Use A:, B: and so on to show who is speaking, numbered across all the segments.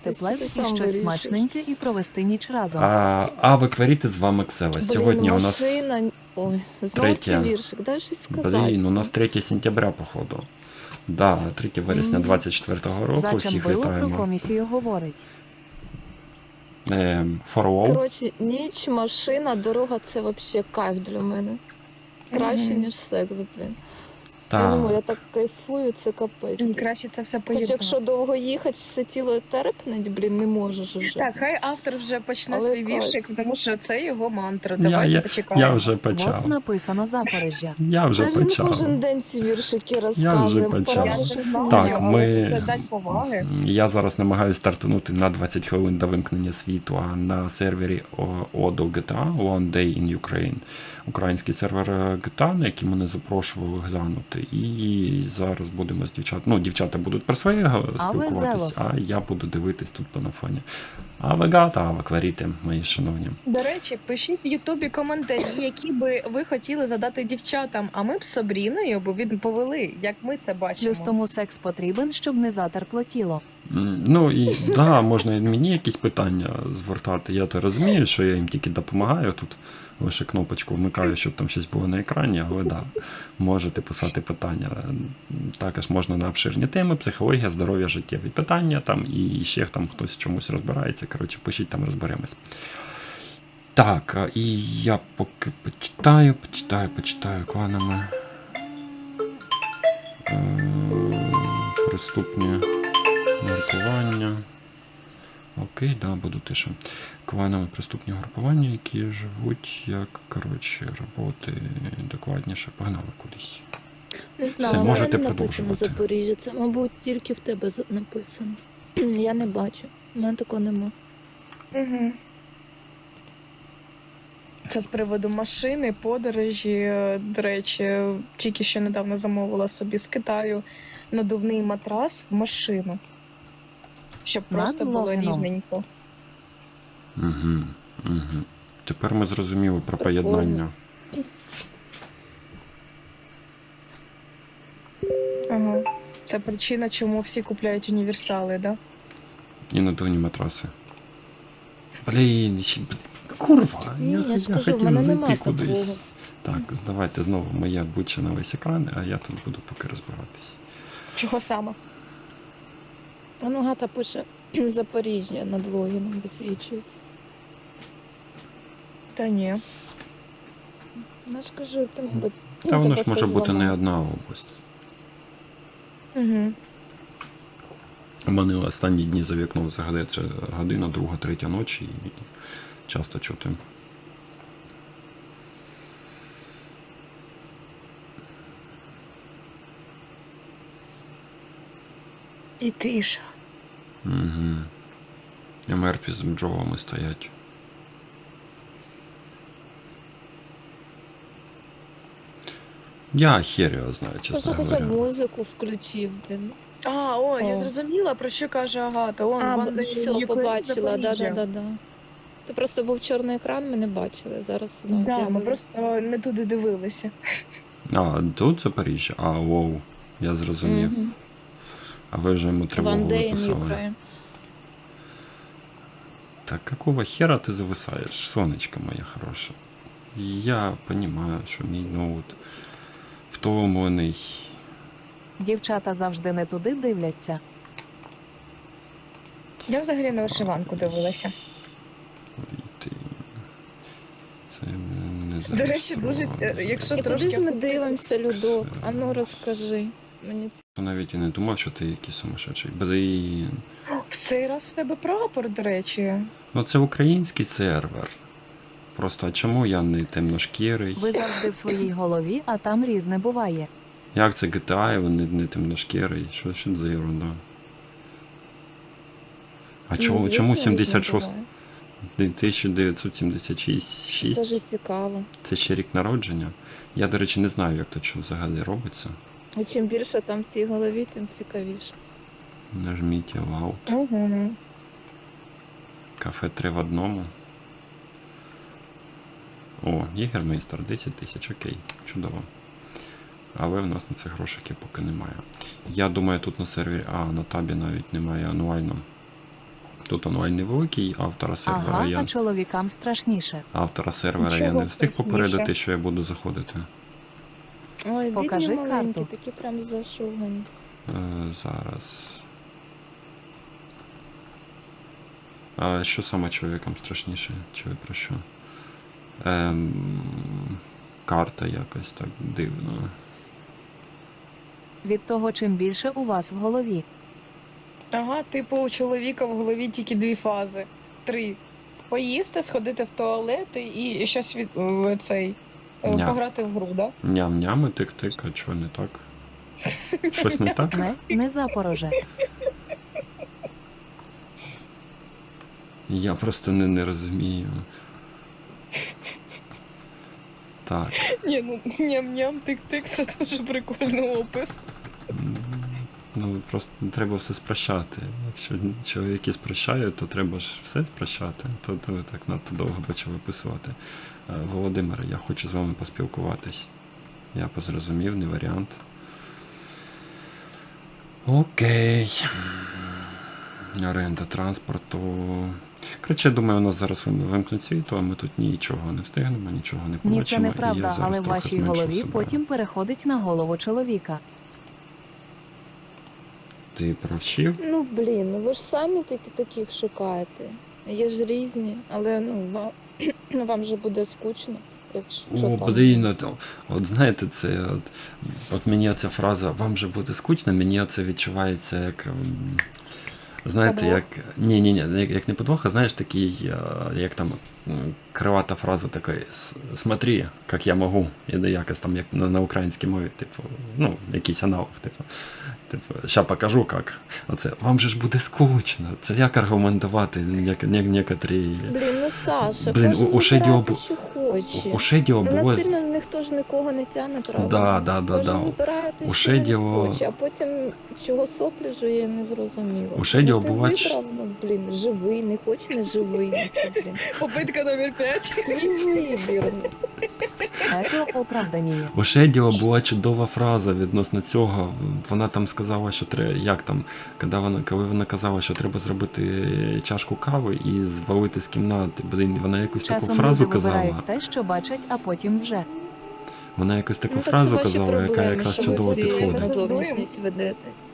A: взяти плед і щось смачненьке і провести ніч разом.
B: А ви кваріти з вами Ксева. Сьогодні у нас
C: машина... Ой, знову
B: третє.
C: цей віршик, дай щось сказати.
B: Блін, у нас 3 сентября, походу. Да, 3 вересня 24-го року. Всіх
A: Зачамбило про
B: вітаємо.
A: комісію говорить.
B: Форвол.
C: Коротше, ніч, машина, дорога – це взагалі кайф для мене. Краще, ніж секс, блін. Я не можу, я так кайфую, це капець.
D: Краще це все
C: Хоч
D: поєднати.
C: якщо довго їхати, все тіло терпнеть, блін, не можеш уже.
D: Так, хай автор вже почне
C: Але
D: свій
C: кайф.
D: віршик, тому що це його мантра. Давайте почекаємо.
B: Я вже
A: От
B: почав.
A: написано Запоріжжя.
B: Я вже
C: Та він
B: почав.
C: кожен день ці віршики
B: Я
C: розказує.
B: вже почав.
D: Я
C: пора
D: ж
C: щось
D: знаю,
B: Так,
D: але
B: ми-
D: це дать поваги.
B: Я зараз намагаюся стартанути на 20 хвилин до вимкнення світу, а на сервері Odo GTA One Day in Ukraine. Український сервер GTA, на який мене запрошували глянути. І зараз будемо з дівчат. Ну, дівчата будуть про своє спілкуватись,
A: Зелос.
B: а я буду дивитись тут по на фоні. А ви гата, а ви кваріти, мої шановні.
D: До речі, пишіть в Ютубі коментарі, які би ви хотіли задати дівчатам, а ми б з Сабріною б відповіли, як ми це бачимо.
A: Плюс тому секс потрібен, щоб не затерпло тіло.
B: Ну і да, можна і мені якісь питання звертати. Я то розумію, що я їм тільки допомагаю тут. Лише кнопочку вмикаю, щоб там щось було на екрані, але да, можете писати питання. Також можна на обширні теми, психологія, здоров'я, життєві питання, там і ще там хтось в чомусь розбирається. Коротше, пишіть, там розберемось. Так, і я поки почитаю кланами. Приступні групування. Окей, да, буду тише. Кланові приступні групування, які живуть як, коротше, роботи докладніше. Погнали кудись.
C: Не
B: Все,
C: знаю,
B: можете
C: в мене
B: продовжувати.
C: написано Запоріжжя. Це, мабуть, тільки в тебе написано. Я не бачу. У мене такого нема.
D: Угу. Це з приводу машини, подорожі. До речі, тільки що недавно замовила собі з Китаю надувний матрас в машину. Щоб просто було
A: Надлогіном.
D: рівненько.
B: Угу. Тепер ми зрозуміли про поєднання.
D: Ага. Це причина, чому всі купляють універсали, да?
B: І надувні матраси. Блін, курва,
C: Ні, я ж
B: я
C: кажу, в
B: хотів
C: мене
B: зайти
C: нема
B: кудись.
C: такого.
B: Так, здавайте знову моє буче на весь екран, а я тут буду поки розбиратись.
D: Чого саме?
C: Ну, Гата пише Запоріжжя над логіном висвічується.
D: Та ні.
C: Ну, ж кажу, це мабуть.
B: Та воно ж може бути не одна область.
D: Угу.
B: У мене останні дні за вікном взагалі це година, друга, третя ночі і часто чути.
D: І тиша.
B: Угу. І мертві з бджолами стоять. Я хер його знаю, чесно
C: Хоча б
B: говоря.
C: музику включив, блін.
D: Я
C: О.
D: зрозуміла, про що каже Агата.
C: Все, побачила, да. Це просто був чорний екран, ми не бачили. Зараз
D: Да, ми
C: з'явилось.
D: просто не туди дивилися.
B: А, тут Запоріжжя? А, воу, я зрозумів.
C: Мгм.
B: А ви вже йому тривогу
C: One day in
B: виписали.
C: Ukraine.
B: Так какого хера ти зависаєш, сонечко моє хороше? Я понимаю, що мій ноут втомлений.
A: Дівчата завжди не туди дивляться.
D: Я взагалі на вишиванку дивилася.
B: Ти... Це не
D: До речі, дуже, якщо
C: І куди
D: трошки...
C: ж ми дивимося, Людо? А ну розкажи. Мені це
B: Я навіть і не думав, що ти якийсь сумасшедший. Блін.
D: В цей раз в тебе прапор, до речі.
B: Ну це український сервер. Просто чому я не темношкірий?
A: Ви завжди в своїй голові, а там різне буває.
B: Як це GTA, він не темношкірий? Що це за ерунда? А чому, чому 76? 1976?
C: Це ж цікаво.
B: Це ще рік народження. Я, до речі, не знаю, як тут що взагалі робиться.
C: І чим більше там в цій голові, тим цікавіше.
B: Нажміть Loud.
D: Угу.
B: Кафе 3 в одному. О, Єгермейстер, 10 тисяч, окей, чудово. Але в нас на це грошики поки немає. Я думаю, тут на сервері, на табі навіть немає ануально. Тут онлайн невеликий, автора сервера
A: Ага,
B: я
A: а чоловікам страшніше.
B: автора сервера я
D: Чого
B: не встиг
D: страшніше?
B: попередити, що я буду заходити.
C: Ой,
A: Покажи
C: бідні маленькі,
A: карту.
C: такі прям зашугані.
B: Зараз. А що саме чоловікам страшніше? Чи ви про що? Карта якось так дивно.
A: Від того, чим більше у вас в голові.
D: Ага, типу у чоловіка в голові тільки 2 фази. 3. Поїсти, сходити в туалет і щось
B: Ня.
D: пограти в гру, да?
B: Ням-ням і тик-тик, а чого не так? Щось не так?
A: Не Запороже.
B: Я просто не розумію. Так.
D: Ні, ну ням-ням, тик-тик, це дуже прикольний опис.
B: Ну, просто треба все спрощати. Якщо чоловіки спрощають, то треба ж все спрощати. То ви так надто довго почали описувати. Володимире, я хочу з вами поспілкуватись. Я позрозумів, не варіант. Окей. Оренда транспорту. Коротше, я думаю, у нас зараз вимкнуть світло, а ми тут нічого не встигнемо, нічого не побачимо.
A: Ні, це
B: і я
A: неправда,
B: зараз
A: але в
B: трохи
A: вашій
B: зменшу
A: голові
B: себе.
A: потім переходить на голову чоловіка.
B: Ти провчив?
C: Ну, блін, ну ви ж самі таких шукаєте. Є ж різні, але вам же буде скучно, якщо
B: О,
C: там...
B: блін, от знаєте, це от мені ця фраза «вам же буде скучно», мені це відчувається як, знаєте,
D: Подвох?
B: як, ні, як не подвох, а знаєш, такий, як там, кривата фраза така «смотри, як я можу», і якось там, як на українській мові, типу, ну, якийсь аналог, типу, ща покажу, як. Оце, вам же ж буде скучно, це як аргументувати некоторі...
C: Блін, ну Саша,
B: Блін,
C: кожен
B: у Шеді
C: вибирає, що хоче.
B: У Шедіо
C: Ну,
B: було...
C: насильно ніхто ж нікого не тягне, правда?
B: Да.
C: Кожен вибирає те,
B: У
C: що він
B: Шедіо-
C: хоче, а потім чого соплі жує, не зрозуміло.
B: У Шедіо
C: ти
B: бувач-
C: вибрав, ну, блін, живий, не хоче, не живий. Ну, це, блін.
D: Попитка номер 5.
C: Твій вибір.
A: Це оправданіє.
B: У Шедіо була чудова фраза відносно цього. Вона там сказала, що треба, як там, коли вона казала, що треба зробити чашку кави і звалити з кімнати. Блін, вона якусь таку
A: Часом
B: фразу
A: люди
B: казала.
A: вибирають те, що бачать, а потім вже.
B: Вона якусь таку
C: Ну, так
B: фразу
C: це ваші
B: казала, яка
C: проблеми,
B: якраз
C: що
B: чудово
C: ви всі
B: підходить.
C: на зовнішність ведетесь.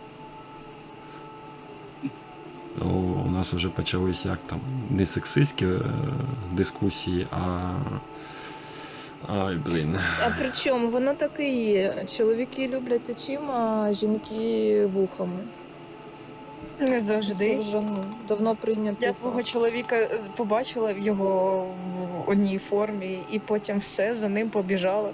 B: О, у нас вже почались як там не сексистські дискусії, а. Ай, блін.
C: А при чому? Воно так і є. Чоловіки люблять очима, а жінки вухами.
D: Не
C: Це
D: завжди.
C: вже давно прийнято.
D: Я твого чоловіка побачила в його в одній формі, і потім все, за ним побіжала.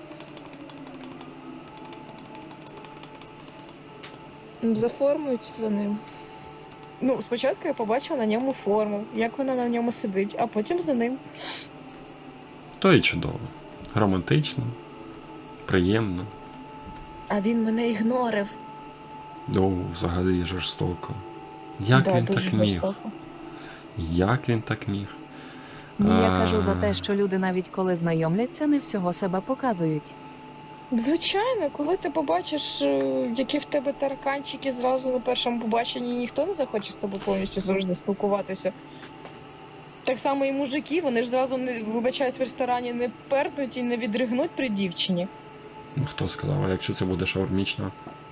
C: За формою чи за ним?
D: Ну, спочатку я побачила на ньому форму, як вона на ньому сидить, а потім за ним.
B: То і чудово. Романтично, приємно.
D: А він мене ігнорив.
B: Ну, взагалі жорстоко. Як
D: Да,
B: він
D: дуже
B: так міг?
D: жорстоко.
B: Як він так міг?
A: Ні, я
B: А.
A: кажу за те, що люди навіть коли знайомляться, не всього себе показують.
D: Звичайно, коли ти побачиш, які в тебе тараканчики зразу на першому побаченні, ніхто не захоче з тобою повністю завжди спілкуватися. Так само і мужики, вони ж зразу не вибачаюсь в ресторані, не пернуть і не відригнуть при дівчині.
B: Хто сказав, а якщо це буде шаурмічна?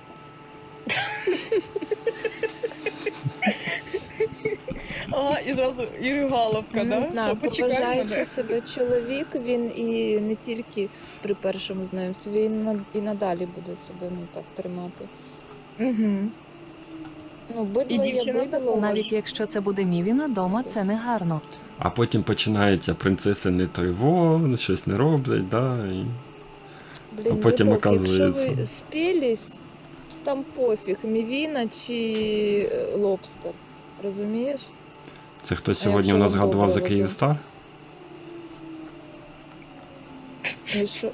D: Ага, і зразу і ригаловка,
C: Не
D: да?
C: знаю,
D: Що, почекай
C: поважаючи
D: мене.
C: себе чоловік, він і не тільки при першому знайомстві, він і надалі буде себе так тримати.
D: Угу.
C: Ну, бидло
D: І
C: є
D: дівчина
C: бидло.
D: також.
A: Навіть якщо це буде мівіна дома, це не гарно.
B: А потім починається принцеси не той во, щось не роблять, да? І...
C: Блін,
B: А потім
C: видок,
B: оказується.
C: Якщо ви спілись, там пофіг, мівіна чи лобстер. Розумієш?
B: Це хтось
C: А
B: сьогодні
C: якщо
B: у нас
C: вам
B: згадував за
C: добре
B: Київстар?
C: Ну що?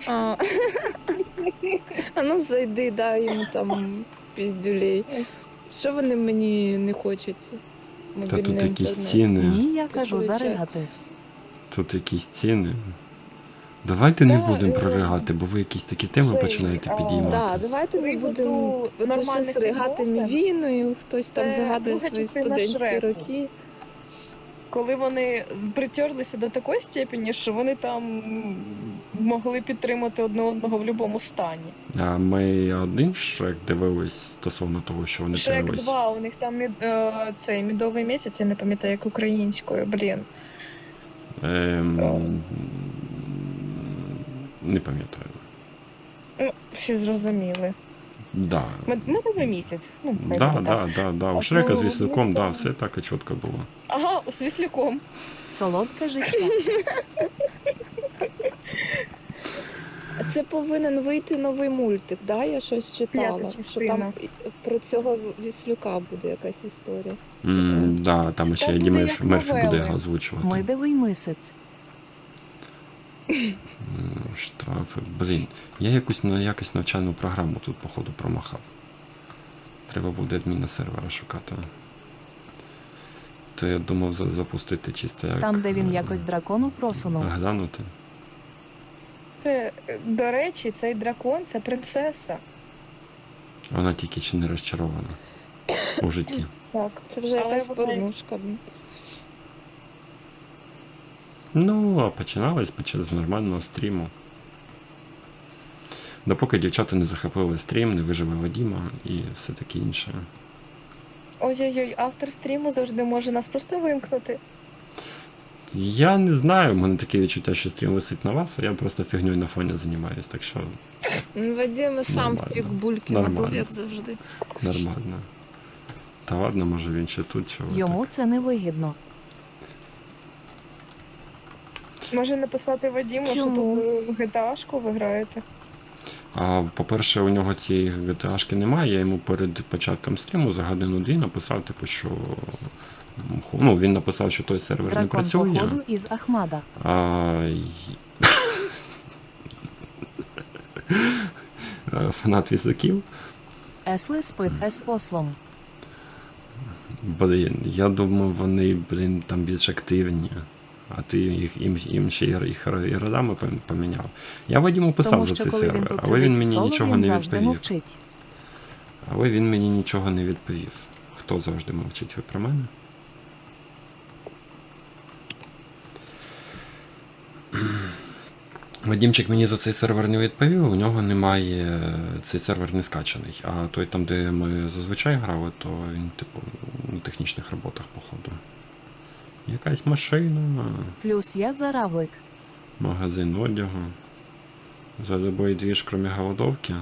C: А ну зайди, дай йому там піздюлей. Що вони мені не хочуть?
B: Та тут
C: Мобільний
B: якісь
C: інтернет.
B: ціни.
A: Ні, я кажу
C: Виходить.
A: заригати.
B: Тут якісь ціни. Давайте не
D: Да,
B: будемо проригати, бо ви якісь такі теми
D: Це,
B: починаєте
D: а,
B: підіймати.
C: Так, давайте не
D: Приводу
C: будемо
D: нормальних
C: щось ригати
D: відносин.
C: мівіною, хтось там
D: Це
C: згадує
D: друга
C: свої
D: частина
C: студентські
D: Шреку.
C: роки.
D: Коли вони притерлися до такої степені, що вони там могли підтримати одне одного в будь-якому стані.
B: А ми один Шрек дивились стосовно того, що вони
D: Шрек
B: дивились.
D: 2, у них там цей медовий місяць, я не пам'ятаю, як українською, блін.
B: Не пам'ятаю.
D: Ну, всі зрозуміли.
B: Да.
D: Медовий місяць. Ну, хай
B: Да,
D: буде так.
B: да. У
D: А
B: Шрека з
D: то,
B: Віслюком,
D: ну,
B: да,
D: так.
B: все так і чітко було.
D: Ага, з Віслюком.
A: Солодке життя.
C: А це повинен вийти новий мультик, да? Я щось читала.
D: П'ята
C: Що
D: частина.
C: там про цього Віслюка буде якась історія.
B: Да, там ще
D: Там
B: Еді
D: буде як
B: Мерфі буде
D: новели.
B: озвучувати.
A: Медовий мисець.
B: Штрафи. Блін, я якусь навчальну програму тут, походу, промахав. Треба буде адміна сервера шукати. То я думав запустити чисто як...
A: Там, де він якось дракону просунув.
B: Глянути.
D: Це, до речі, цей дракон це принцеса.
B: Вона тільки ще не розчарована у житті.
D: Так.
C: Це вже
D: Але
C: якась
D: вона-
C: порнушка.
B: Ну, а починалось з нормального стріму. Допоки дівчата не захопили стрім, не виживе Вадіма і все таке інше.
D: Ой-ой-ой, автор стріму завжди може нас просто вимкнути.
B: Я не знаю, в мене таке відчуття, що стрім висить на вас, а я просто фігньою на фоні займаюсь, так що
C: Вадим сам
B: Нормально.
C: втік бульки
B: Нормально.
C: набув, як завжди.
B: нормально. Та ладно, може він ще тут, чого ви
A: Йому
B: так.
A: це не вигідно.
D: Може написати Вадіму, що
A: Чому?
D: тут GTA-шку ви граєте.
B: А по-перше, у нього цієї GTA-шки немає, я йому перед початком стріму за годину-дві написав, типу, що ну, він написав, що той сервер не
A: Дракон
B: працює.
A: походу із Ахмада.
B: Фанат візаків.
A: Если спит ес ослом.
B: Блін, я думав, вони, там більш активні. А ти їм ще їх і родами поміняв. Я Вадіму писав
A: Тому
B: за
A: що
B: цей
A: коли він
B: сервер,
A: тут
B: але він
A: сидить в
B: мені
A: соло,
B: нічого
A: він
B: не
A: завжди
B: відповів.
A: мовчить.
B: Але він мені нічого не відповів. Хто завжди мовчить, ви про мене? Вадімчик мені за цей сервер не відповів, у нього немає, цей сервер не скачаний. А той там, де ми зазвичай грали, то він, типу, на технічних роботах, походу. Якась машина,
A: Плюс я заравлик.
B: магазин одягу. За любой двіж, крім голодовки.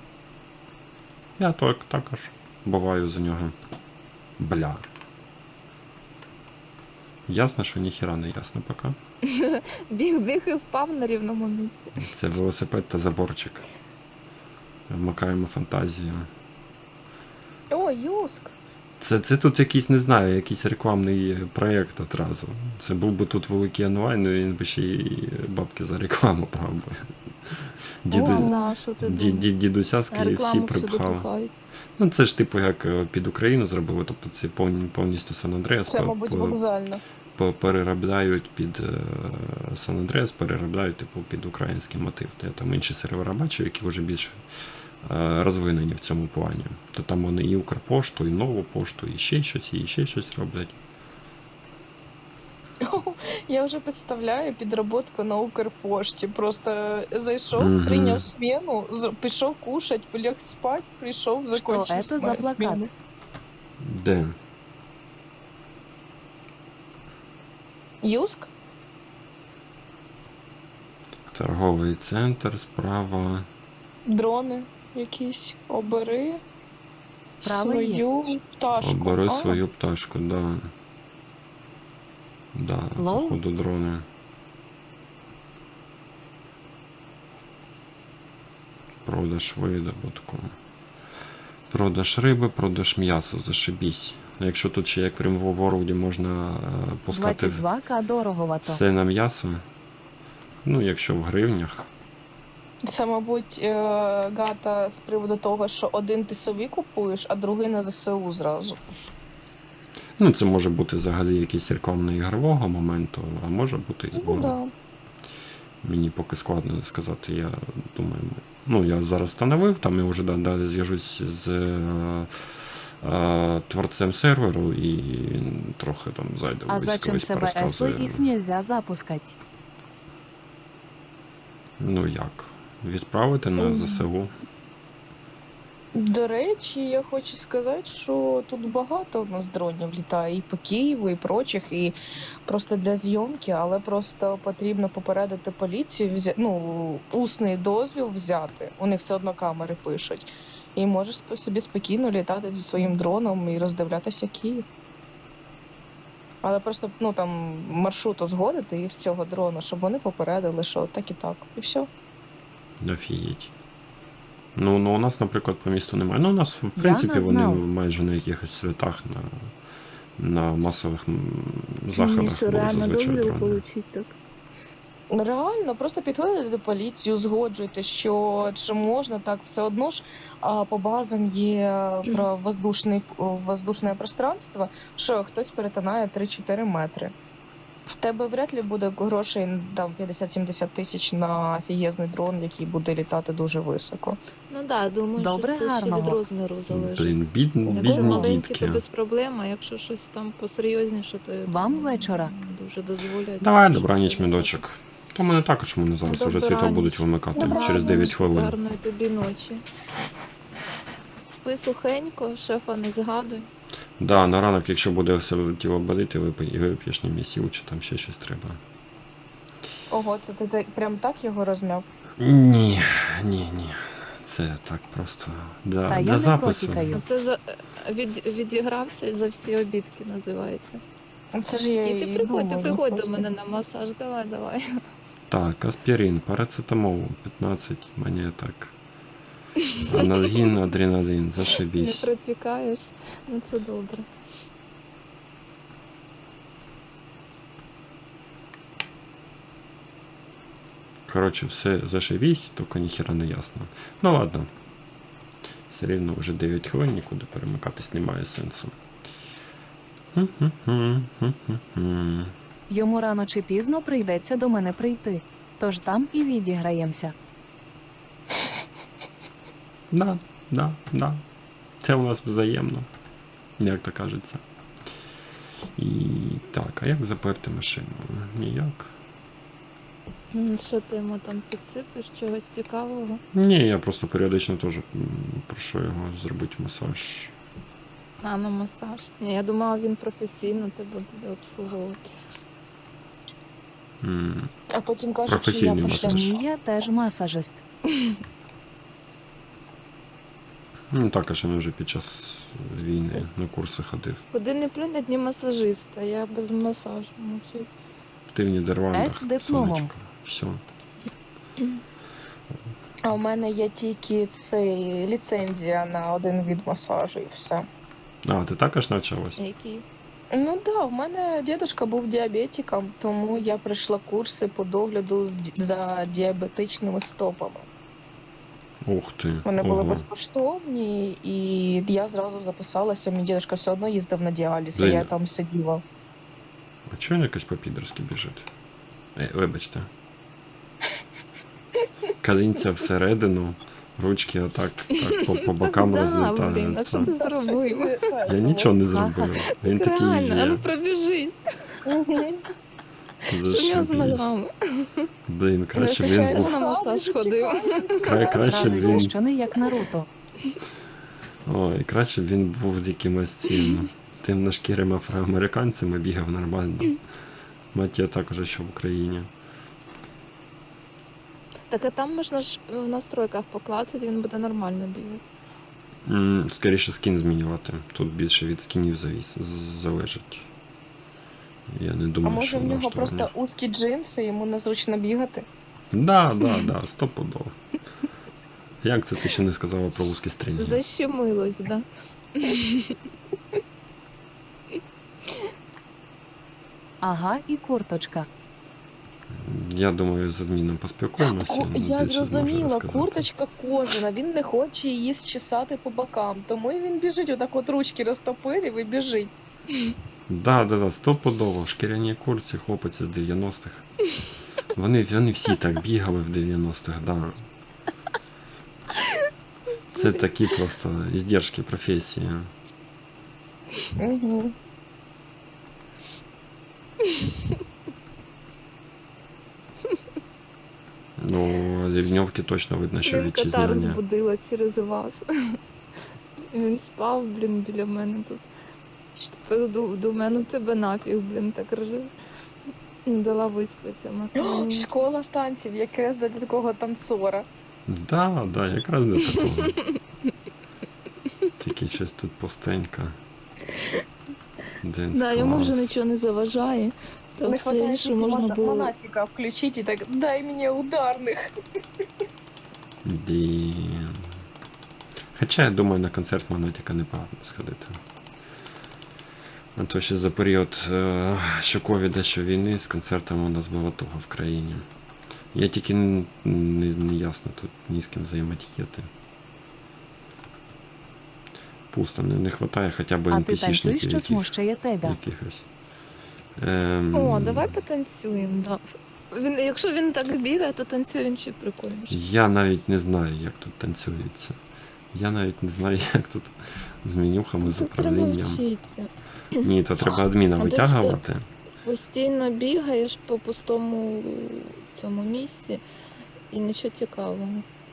B: Я також буваю за нього. Бля. Ясно, що ніхіра не ясно поки.
C: Біг і впав на рівному місці.
B: Це велосипед та заборчик. Вмикаємо фантазію.
D: О, Юск!
B: Це тут якийсь, не знаю, якийсь рекламний проєкт одразу. Це був би тут великий онлайн, і він би ще й бабки за рекламу брав би.
C: На, що ти думаєш?
B: Дідуся з KFC
C: Рекламу всюди
B: припхав.
C: пихають.
B: Ну це ж типу як під Україну зробили, тобто це повністю Сан-Андреас
D: Це, мабуть, вокзально.
B: переробляють під Сан-Андреас, переробляють типу під український мотив. Я там інші сервера бачив, які вже більш розвинені в цьому плані. То там вони і Укрпошту, і Нову пошту, і ще щось роблять.
D: Я вже представляю підроботку на Укрпошті. Просто зайшов,
B: Мгм.
D: прийняв зміну, пішов кушать, поліг спать, прийшов,
A: Що
D: закончив
A: это за плакат?
D: зміну.
B: Де?
D: Юск?
B: Торговий центр, справа.
D: Дрони якісь. Обери
A: Правий є.
D: свою пташку.
B: Обери
D: А,
B: свою пташку, да. Да,
A: Лол?
B: походу дрони. Продаж видобутку. Продаж риби, продаж м'яса, зашибісь. Якщо тут ще як в Rim World можна пускати
A: 22к дороговато.
B: все на м'ясо. Ну, якщо в гривнях.
D: Це, мабуть, Гата з приводу того, що один ти собі купуєш, а другий на ЗСУ зразу.
B: Ну, це може бути взагалі якийсь рекламно-ігрового моменту, а може бути і
D: Ну,
B: збору.
D: да.
B: Мені поки складно сказати, я думаю. Ну, я зараз встановив, там я вже далі зв'яжусь з творцем серверу і трохи там зайде
A: А
B: в
A: зачем
B: військовість,
A: себе
B: порозказує.
A: если их нельзя запускать?
B: Ну як? Відправити на ЗСУ?
D: До речі, я хочу сказати, що тут багато у нас дронів літає і по Києву, і прочих, і просто для зйомки, але просто потрібно попередити поліцію, усний дозвіл взяти. У них все одно камери пишуть. І можеш собі спокійно літати зі своїм дроном і роздивлятися Київ. Але просто там маршрут узгодити і з цього дрона, щоб вони попередили, що так і так. І все.
B: Офігеть. Ну, у нас, наприклад, по місту немає. Ну, у нас, в принципі,
A: не
B: вони
A: знав.
B: майже на якихось святах, на масових заходах
C: Що
B: були
C: реально
B: зазвичай
C: дозвіл
B: дрони.
C: получить так.
D: Реально, просто підходите до поліції, узгоджуйте, що чи можна так, все одно ж по базам є про воздушне пространство, що хтось перетинає 3-4 метри. В тебе вряд ли буде грошей там 50-70 тисяч на офігезний дрон, який буде літати дуже високо.
C: Ну так, думаю,
A: Добре,
C: що це ще від
A: гарного.
C: розміру залежить.
B: Блін,
C: Якщо
B: бідні
C: маленькі,
B: дітки.
C: то без проблем, а якщо щось там посерйозніше, то я
A: Вам
C: думаю,
A: вечора.
C: дуже дозволяють.
B: Давай, добраніч, мідочок. То мене також вони зараз уже
C: Добраніч.
B: світло будуть вимикати
D: Добраніч.
B: через 9 хвилин.
C: Гарної тобі ночі. Спи сухенько, шефа не згадуй.
B: Да, на ранок, якщо буде все тіло боліти, вип'єш місів, чи там ще щось треба.
D: Ого, це ти прям так його розмяв?
B: Ні. Це так просто
A: Та я
B: для
A: не
B: запису.
A: протікаю.
C: Це відігрався за всі обідки, називається.
D: Це ж я
C: І ти
D: і
C: приходь
D: думаю,
C: до
D: просто.
C: мене на масаж, давай.
B: Так, аспірин, парацетамол, 15 монеток. Анальгін, адреналін,
C: Не
B: зашибісь.
C: протікаєш, ну це добре.
B: Коротше, все зашибісь, тільки ніхера не ясно. Ну ладно. Все рівно вже 9 хвилин, нікуди перемикатись немає сенсу.
A: Йому рано чи пізно прийдеться до мене прийти. Тож там і відіграємося.
B: Да. Це у нас взаємно. Як то кажеться. І так, а як заперти машину? Ніяк.
C: Що ти йому там підсипиш, чогось цікавого?
B: Ні, я просто періодично теж прошу його зробити масаж.
C: А, на масаж. Ні, я думала, він професійно тебе буде обслуговувати.
D: А потім кажуть, що я
B: Професійний
D: пошла.
B: масаж.
A: Ні, я теж масажист.
B: Ну також я вже під час війни на курси ходив.
C: Куди не плюнь, одні масажиста, я без масажу мовчить.
B: Ти в Нідерландах,
A: З дипломом.
B: сонечко. Все.
D: А у мене є тільки цей ліцензія на один від масажу і все.
B: А, ти також навчалась?
C: Який?
D: Ну да, в мене дідусь був діабетиком, тому я пройшла курси по догляду за діабетичними стопами.
B: Ух ти.
D: Вони були
B: Ого.
D: безкоштовні, і я зразу записалася. Мій дідусь все одно їздив на діаліз, і
B: Женя.
D: я там сиділа.
B: А чого він якось по-підерськи біжить? Вибачте. Колінця всередину, ручки отак так, по бокам
C: Да, блін, а
B: розлітаються.
C: що ти зробив?
B: Я нічого не зробив. Він такий
C: Реально, а ну
B: є.
C: пробіжись. Що в нього з
B: Зашибісь.
C: ногами?
B: Блін, краще б
C: Я
B: він був.
C: на масаж ходив.
B: Краще б
A: Радуйся,
B: він.
A: що не як Наруто.
B: Ой, краще б він був якимось цим темношкірим афроамериканцем і бігав нормально. Мать я також ще в Україні.
C: Так а там можна ж в настройках поклацати, він буде нормально бігати.
B: Скоріше скін змінювати. Тут більше від скінів залежить. Я не
D: А
B: думаю,
D: може
B: що
D: в нього
B: налаштування.
D: просто узкі джинси, йому незручно бігати?
B: Да, стопудово. Як це ти ще не сказала про вузькі стрінги?
C: Защемилось, да.
A: Ага, і курточка.
B: Я думаю, з адміном поспілкуємося. він
D: Я
B: більше зможе
D: зрозуміла,
B: розказати.
D: курточка кожана, він не хоче її зчесати по бокам, тому і він біжить, отак от ручки розтопирив і біжить.
B: Да, стопудово. В шкіряній курці хлопець з 90-х. Вони всі так бігали в 90-х, да. Це такі просто іздержки професії.
D: Угу.
B: Ну, Ливневки точно видно, що
C: Блін, кота
B: вітчизняні.
C: розбудила через вас. Він спав, блін, біля мене тут. До мене тебе нафіг, блін, так ржив. Дала виспатися.
D: Школа танців, якраз для такого танцора.
B: Да, да, якраз до такого. Тільки щось тут пустенько. Dance
C: Да, йому вже
B: class.
C: нічого не заважає. То
D: Не
C: все,
D: хватає
C: що можна було.
D: монатика включить і так, дай мені ударних.
B: Блін. Хоча я думаю, на концерт Монатіка непогано сходити. А то ще за період що ковіда, що війни з концертами у нас було туго в країні. Я тільки не ясно тут ні з ким взаємодіяти. Пусто, не вистачає хоча б
A: А ти танцюй,
B: NPC-шників
A: що смущає тебе.
B: якихось.
C: О, давай потанцюємо, да. Якщо він так бігає, то танцює він ще прикольніше.
B: Я навіть не знаю, як тут танцюється. Я навіть не знаю, як тут з менюхами, з
C: Тут треба
B: управлінням.
C: вчитися.
B: Ні, то треба адміна
C: А ти
B: витягувати.
C: Постійно бігаєш по пустому цьому місці і нічого цікавого.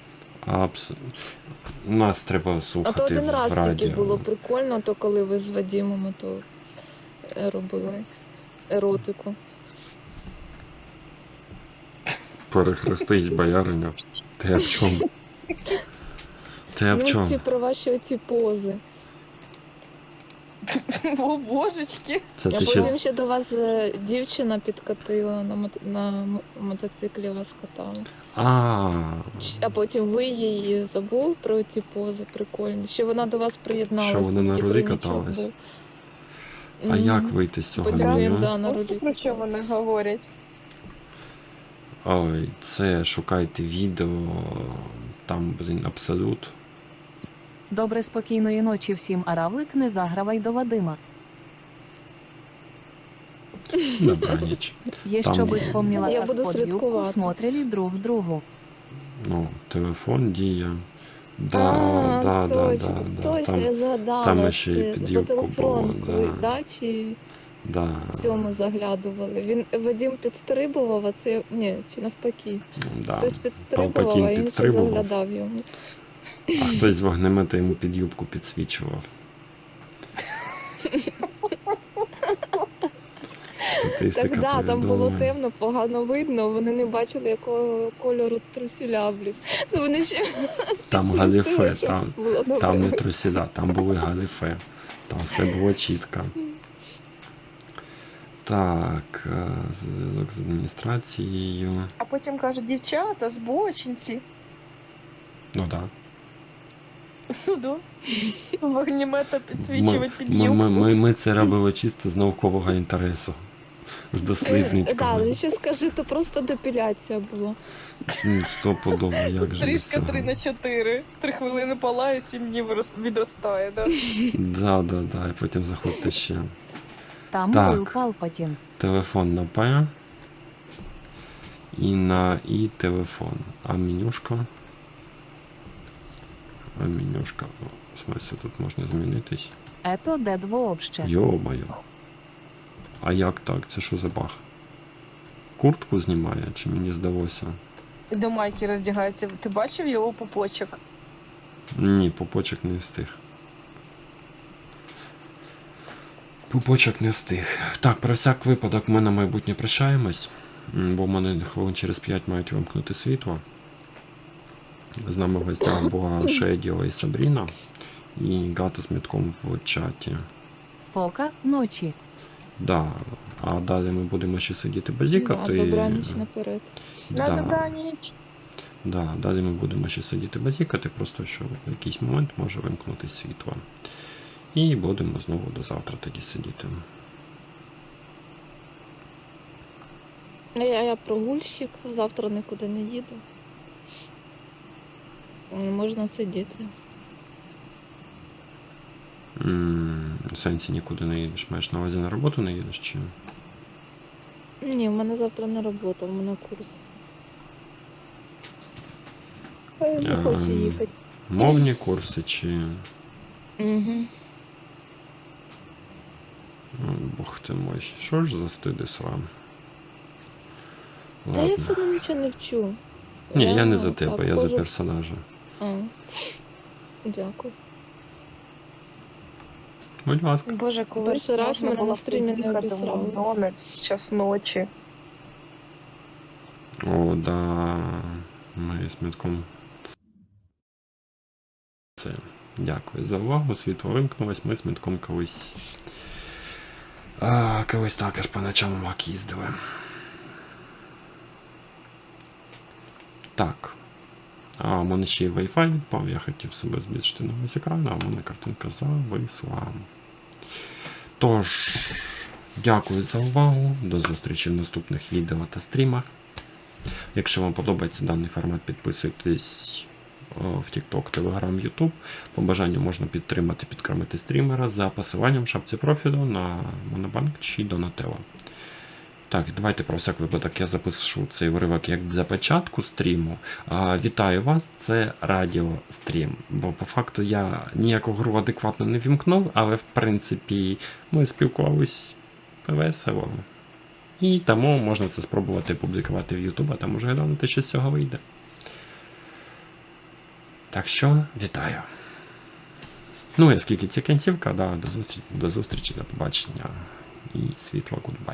B: У нас треба
C: А то
B: слухати
C: один
B: в
C: раз
B: радіо.
C: тільки було прикольно, то коли ви з Вадімом то робили еротику.
B: Перехрестись, бояриня. Ти об чому? Ти об
C: Ну,
B: чому?
C: ці про ваші оці пози.
D: О, божечки.
B: Це
C: А
B: ти
C: потім
B: ще...
C: ще до вас дівчина підкатила на мотоциклі вас катала. А потім ви її забув про ці пози прикольні. Ще вона до вас приєдналася.
B: Що вони на
C: такий
B: рулі
C: тройничок
B: катались?
C: був.
B: А як вийти з цього
C: Потім
B: меню?
C: він, да, на
D: Ось
C: рулі
D: про що
C: катав.
D: вони говорять.
B: Ой, це шукайте відео, там, блін, абсолют.
A: Добре, спокійної ночі всім, а равлик не загравай до Вадима.
B: Добраніч.
A: Є
B: Там-
A: щоби спомніла,
C: Я
A: як
C: буду
A: под юбку
C: слідкувати.
A: смотрели друг другу.
B: Ну, телефон діє. Да,
C: А,
B: да, да,
C: точно,
B: да,
C: точно,
B: Там,
C: я згадала.
B: там ще й
C: це
B: під
C: по
B: юбку
C: телефону,
B: було,
C: коли,
B: да.
C: да, чи
B: да.
C: в цьому заглядували. Вадим підстрибував, а це, ні, чи навпаки.
B: Да.
C: Хтось підстрибував,
B: Палпатін
C: а інший
B: підстрибував.
C: заглядав йому.
B: А хтось з вогнемета йому під юбку підсвічував. Статистика
C: Так, да, там було
B: повідомлює.
C: темно, погано видно, вони не бачили, якого кольору трусіля, блін. Ну вони ще
B: Там
C: підсвітили,
B: галіфе,
C: щоб
B: там,
C: було добре
B: там не
C: видно.
B: трусіда, там були галіфе. Там все було чітко. Так, зв'язок з адміністрацією.
D: А потім кажуть, дівчата, збочинці.
B: Ну так.
D: Ну да. Вогнемета підсвічувати під юбку.
B: Ми це робили чисто з наукового інтересу. З дослідницького.
C: Так, ще скажи, то просто депіляція була.
B: Стопудово, як же без
D: Стрижка
B: цього.
D: 3/4. 3 хвилини палає, 7 днів відростає, да?
B: Да, і потім заходьте ще.
A: Там
B: Так.
A: був Палпатін.
B: Телефон на П. І на І телефон. А менюшка? А менюшка. О, в смысле, тут можна змінитись.
A: Ето дед вообще.
B: Йо-моє. А як так? Це що за баг? Куртку знімає, чи мені здалося?
D: До майки роздягається. Ти бачив його пупочок?
B: Ні, пупочок не встиг. Пупочок не встиг. Так, про всяк випадок ми на майбутнє прощаємось, бо в мене хвилин через 5 мають вимкнути світло. З нами в гостях була Шедіо і Сабріна, і Гата з Мітком в чаті.
A: Пока ночі.
B: Да. А далі ми будемо ще сидіти
C: Да,
B: базікати.
C: добраніч наперед.
D: На
B: Да.
D: добраніч.
B: Да, далі ми будемо ще сидіти базікати, просто що в якийсь момент може вимкнути світло. І будемо знову до завтра тоді сидіти.
C: Я прогульщик, завтра нікуди не їду. Можна сидіти.
B: В сенсі нікуди не їдеш. Маєш на увазі на роботу не їдеш чи?
C: Ні, в мене завтра не робота, в мене курс. А я не хочу їхати.
B: Мовні курси чи.
C: Угу.
B: Бог ти мой, що ж за стиди срам?
C: Та я
B: Ладно.
C: все одно нічого не вчу.
B: Ні, я не
C: ну,
B: за тебе,
C: так,
B: я за
C: можу-
B: персонажа.
C: А. Дякую.
B: Будь ласка.
D: Боже, коли
C: Перший раз
D: можна
C: мене
D: було
C: на стрімі не
D: приїхати в
C: обісрали.
D: Макдональдс, час ночі.
B: О, да. Ми з Мітком. Це. Дякую за увагу. Світло вимкнулось, ми з Мітком колись. Колись також по ночам в МАК їздили. Так. А у мене ще й Wi-Fi відпав, я хотів себе збільшити на весь екран, а у мене картинка зависла. Тож, дякую за увагу. До зустрічі в наступних відео та стрімах. Якщо вам подобається даний формат, підписуйтесь в TikTok, Telegram, YouTube. По бажанню можна підтримати стрімера за посиланням в шапці профілю на Монобанк чи Donatello. Так, давайте про всяк випадок я запишу цей уривок як для початку стріму. Вітаю вас, це радіострім. Бо по факту я ніяку гру адекватно не вімкнув, але в принципі ми спілкувались весело. І тому можна це спробувати публікувати в YouTube, а там уже глянути, що з цього вийде. Так що, вітаю. Ну і оскільки це кінцівка, да, до зустрічі, до побачення і світло, гудбай.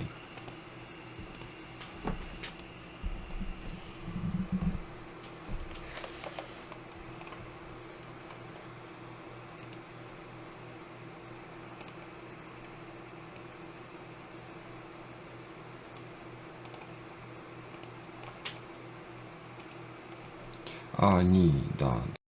B: Ні, да.